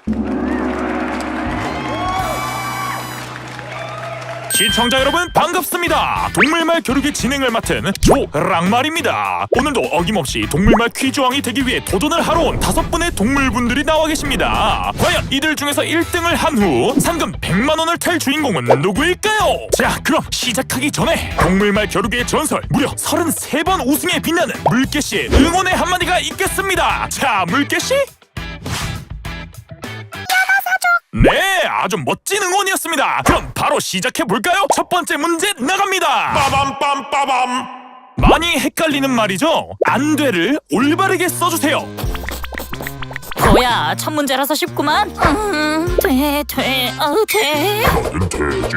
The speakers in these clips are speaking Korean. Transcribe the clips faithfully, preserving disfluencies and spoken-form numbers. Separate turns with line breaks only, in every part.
시청자 여러분 반갑습니다. 동물말 겨루기 진행을 맡은 조랑말입니다. 오늘도 어김없이 동물말 퀴즈왕이 되기 위해 도전을 하러 온 다섯 분의 동물분들이 나와 계십니다. 과연 이들 중에서 일 등을 한 후 상금 백만 원을 탈 주인공은 누구일까요? 자, 그럼 시작하기 전에 동물말 겨루기의 전설 무려 서른세 번 우승에 빛나는 물개씨의 응원의 한마디가 있겠습니다. 자, 물개씨? 네, 아주 멋진 응원이었습니다. 그럼 바로 시작해볼까요? 첫 번째 문제 나갑니다. 빠밤 빠밤. 많이 헷갈리는 말이죠. 안 돼를 올바르게 써주세요.
뭐야, 첫 문제라서 쉽구만. 음, 돼, 돼, 어, 돼.
나는 돼지,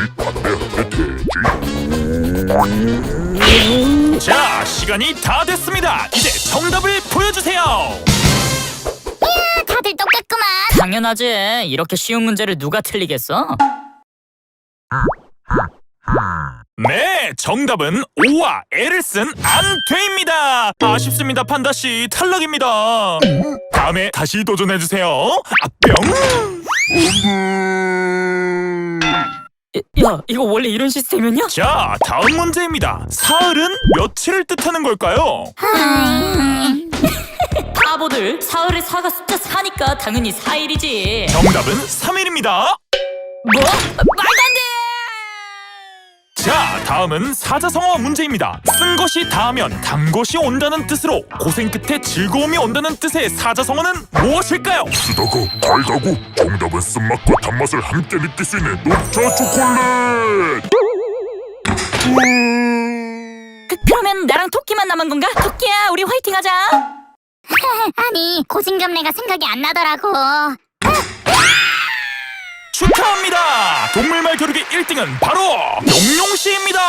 반대 돼지.
자, 시간이 다 됐습니다. 이제 정답을 보여주세요.
다들 똑같구만.
당연하지. 이렇게 쉬운 문제를 누가 틀리겠어?
네, 정답은 O와 L을 쓴 안돼입니다. 아쉽습니다, 판다씨. 탈락입니다. 다음에 다시 도전해주세요. 아, 뿅!
야, 이거 원래 이런 시스템이었냐?
자, 다음 문제입니다. 사흘은 며칠을 뜻하는 걸까요?
바보들, 사흘에 사가 숫자 사니까 당연히 사일이지.
정답은 삼 일입니다.
뭐? 말도 안 돼!
자, 다음은 사자성어 문제입니다. 쓴 것이 닿으면 단 것이 온다는 뜻으로 고생 끝에 즐거움이 온다는 뜻의 사자성어는 무엇일까요?
쓰다고 달다고. 정답은 쓴맛과 단맛을 함께 느낄 수 있는 녹차 초콜릿.
그, 그러면 나랑 토끼만 남은 건가? 토끼야, 우리 화이팅하자.
아니, 고진감래가 생각이 안 나더라고.
축하합니다. 동물말 겨루기 일 등은 바로 용용씨입니다.